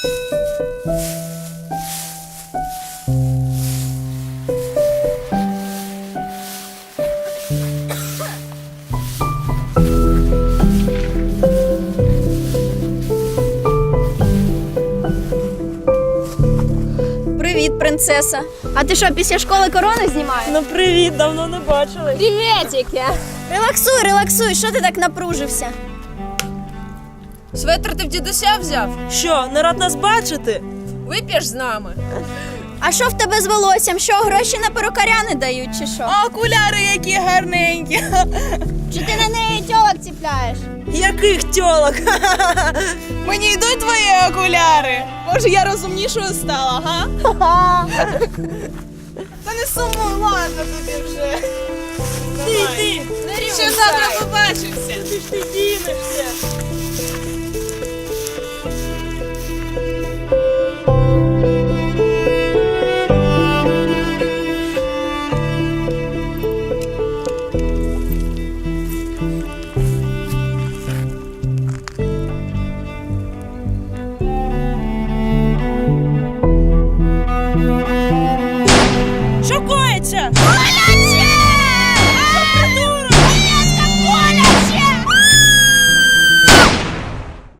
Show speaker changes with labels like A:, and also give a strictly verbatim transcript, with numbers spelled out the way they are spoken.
A: Привіт, принцеса. А ти що, після школи корони знімаєш?
B: Ну привіт, давно не бачили.
A: Привітики! Релаксуй, релаксуй, що ти так напружився?
C: Светр ти в дідуся взяв?
B: Що, не рад нас бачити?
C: Вип'єш з нами?
A: А що в тебе з волоссям? Що, гроші на перукаря не дають, чи що?
C: А окуляри які гарненькі.
A: Чи ти на неї тьолок ціпляєш?
B: Яких тьолок?
C: Мені йдуть твої окуляри. Може, я розумнішою стала, га? Та не сумуй, ладно тобі вже.
B: Ти, ти,
C: Ще завтра побачимося.
B: ти ж ти дінешся. Що коїться?